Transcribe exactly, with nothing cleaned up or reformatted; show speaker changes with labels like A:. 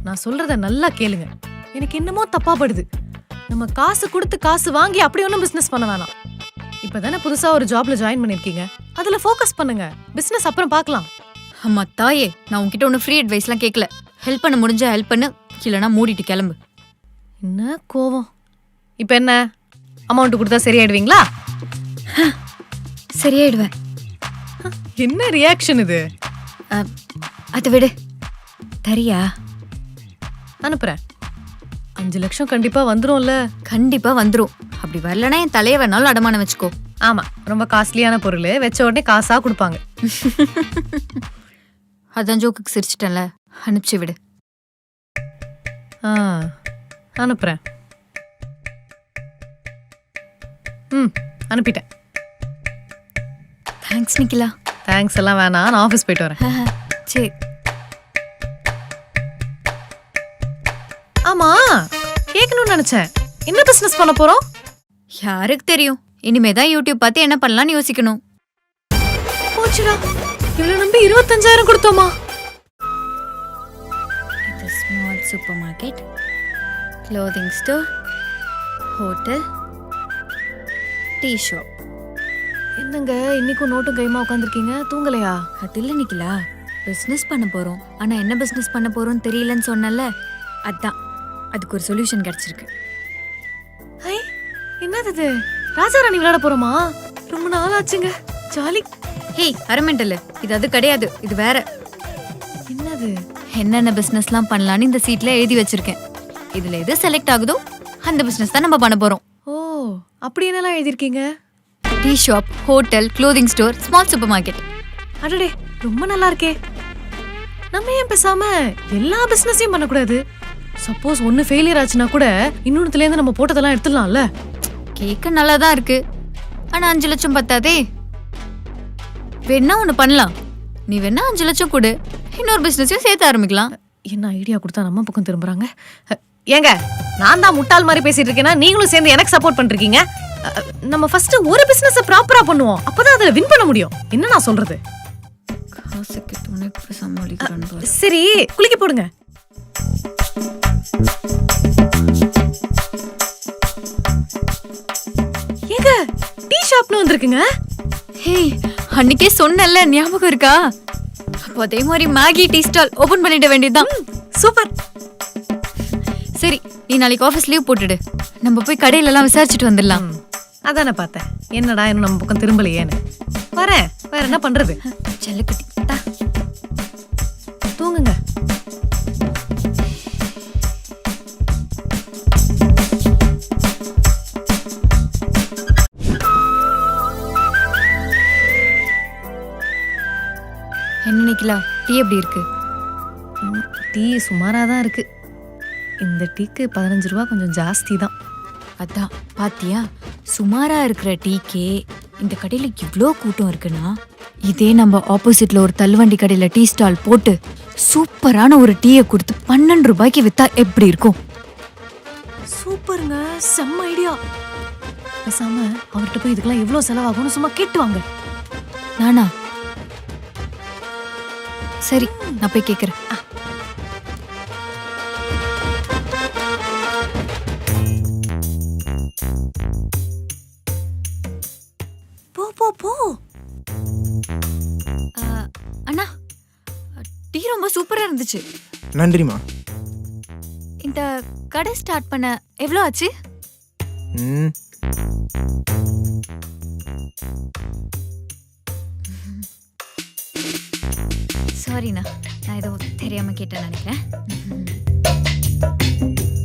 A: நான் சொல்றத நல்லா கேளுங்க. எனக்கு என்னமோ தப்பா படுது. நம்ம காசு கொடுத்து காசு வாங்கி அப்படி ஒன்றும் பிசினஸ் பண்ண வேணாம். இப்பதானே புதுசா ஒரு ஜாப்ல ஜாயின் பண்ணிருக்கீங்க, அதுல ஃபோக்கஸ் பண்ணுங்க. பிசினஸ் அப்புறம் பார்க்கலாம்.
B: அம்மா தாயே, நான் உன்கிட்ட ஒன்றும் ஃப்ரீ அட்வைஸ்லாம் கேட்கல. ஹெல்ப் பண்ண முடிஞ்சா ஹெல்ப் பண்ணு, இல்லைனா மூடிட்டு கிளம்பு.
A: என்ன கோவம்? இப்போ என்ன அமௌண்ட் கொடுத்தா சரியாயிடுவீங்களா?
B: சரியாயிடுவேன்.
A: என்ன ரியாக்ஷன் இது?
B: அதை விடு, தரியா?
A: அனுப்புறேன். அஞ்சு லட்சம் கண்டிப்பா வந்துரும்ல?
B: கண்டிப்பா வந்துரும். அப்படி வரலனா என் தலையை வேணாலும் அடமானம் வச்சுக்கோ.
A: ஆமா, ரொம்ப காஸ்ட்லியான பொருள், வச்ச உடனே காசா கொடுப்பாங்க.
B: அதான் ஜோக்குக்கு சிரிச்சிட்டேன்ல, அனுப்பிச்சு விடு.
A: ஆ, அனுப்புறேன். ம், அனுப்பிட்டேன்.
B: தேங்க்ஸ் நிக்கிலா.
A: தேங்க்ஸ் எல்லாம் வேணாம், நான் ஆஃபீஸ் போயிட்டு வரேன்.
B: சரி.
A: ஆமா, கேட்கணும்னு நினைச்சேன். என்ன பிசினஸ் பண்ண போறோம்?
B: யாருக்கு தெரியும்? இனிமேதான் யூடியூப் பார்த்து என்ன பண்ணலாம்னு யோசிக்கணும்.
A: போச்சுடா, இவ்வளவு நம்பி இருபத்தஞ்சாயிரம் கொடுத்தோமா?
B: இது small supermarket, clothing store, hotel, tea shop.
A: என்னங்க இன்னைக்கும் நோட்டும் கைமா உட்காந்துருக்கீங்க, தூங்கலையா?
B: அது இல்லை நிக்கிலா, பிஸ்னஸ் பண்ண போறோம். ஆனா என்ன பிஸ்னஸ் பண்ண போறோம்னு தெரியலன்னு சொன்னல, அதான் அதுக்கு ஒரு சொல்யூஷன் கிடைச்சிருக்கு.
A: ஹை, என்னது இது? ராஜாராணி விளையாட போறோமா? ரொம்ப நாள் ஆச்சுங்க, ஜாலி.
B: ஹேய் அரமெண்டல், இது அது கிடையாது, இது வேற.
A: என்னது?
B: என்னென்ன பிசினஸ்லாம் பண்ணலான்னு இந்த சீட்ல எழுதி வச்சிருக்கேன். இதுல எது செலக்ட் ஆகுதோ அந்த பிசினஸ் தான் நம்ம பண்ண போறோம்.
A: ஓ, அப்படி என்னெல்லாம் எழுதிருக்கீங்க?
B: Tea shop, hotel, clothing store, small supermarket.
A: அடடே, ரொம்ப நல்லா இருக்கே. நம்ம ஏன் பேசாம எல்லா பிசினஸையும் பண்ணக்கூடாது? சப்போஸ் ஒன்னு ஃபெயிலியர் ஆச்சுன்னா கூட இன்னொன்னுல இருந்து நம்ம போட்டதெல்லாம் எடுத்துடலாம்ல.
B: கேட்க நல்லா தான் இருக்கு, ஆனா அஞ்சு லட்சம் பத்தாதே. வேணா ஒண்ணு பண்ணலாம், நீ வேணா அஞ்சு லட்சம் கொடு, இன்னொரு பிசினஸையும் சேர்த்து ஆரம்பிக்கலாம்.
A: என்ன ஐடியா கொடுத்தா நம்ம பக்கம் திரும்புறாங்க? ஏங்க, நான் தான் முட்டாள் மாதிரி பேசிட்டு இருக்கேன்னா நீங்களும் சேர்ந்து எனக்கு சப்போர்ட் பண்றீங்க. நம்ம ஃபர்ஸ்ட் ஒரு பிசினஸ் ப்ராப்பரா பண்ணுவோம், அப்பதான் அதுல வின் பண்ண முடியும். என்ன நான் சொல்றது?
B: காசுக்கு துணைக்கு சமாளிக்கிறேன்.
A: சரி, குளிக்க போடுங்க. ஏங்க, டீ ஷாப்னு வந்திருக்குங்க.
B: ஹே, அன்னைக்கே சொன்னல, ஞாபகம் இருக்கா? அப்போ அதே மாதிரி மேகி டீ ஸ்டால் ஓபன் பண்ணிட வேண்டியதுதான்.
A: சூப்பர்.
B: சரி, நீ நாளைக்கு ஆஃபீஸ் லீவ் போட்டுடு, நம்ம போய் கடையில எல்லாம் விசாரிச்சுட்டு வந்துடலாம்.
A: அதானே பார்த்தேன், என்னடா இன்னும் நம்ம பக்கம் திரும்பலையேன்னு. வரேன், வேற என்ன பண்றது?
B: செல்லக்குட்டி
A: தூங்குங்க.
B: என்ன நிக்கலா, டீ எப்படி இருக்கு?
A: டீ சுமாரா தான் இருக்கு. இந்த டீக்கு பதினஞ்சு ரூபா கொஞ்சம் ஜாஸ்தி தான்.
B: அதான் பாத்தியா, சுமாரா இருக்கிற டீக்கே இந்த கடையில இவ்ளோ கூட்டம் இருக்குன்னா, இதே நம்ம ஆப்போசிட்ல ஒரு தள்ளுவண்டி கடையில டீ ஸ்டால் போட்டு சூப்பரான ஒரு டீயை கொடுத்து பன்னெண்டு ரூபாய்க்கு வித்தா எப்படி இருக்கும்?
A: சூப்பருங்க, செம்ம ஐடியா. பேசாம அவர்கிட்ட போய் இதுக்கெல்லாம் எவ்வளவு செலவாகும்னு சும்மா கேட்டுவாங்க.
B: நானா? சரி, நான் போய் கேக்குறேன்.
A: போ போ போ.
B: அண்ணா, டீ ரொம்ப சூப்பரா இருந்துச்சு.
C: நன்றிமா.
B: இந்த கடை ஸ்டார்ட் பண்ண எவ்வளோ ஆச்சு?
C: ம்
B: சாரிண்ணா, நான் ஏதோ தெரியாம கேட்டேன்னு நினைக்கிறேன்.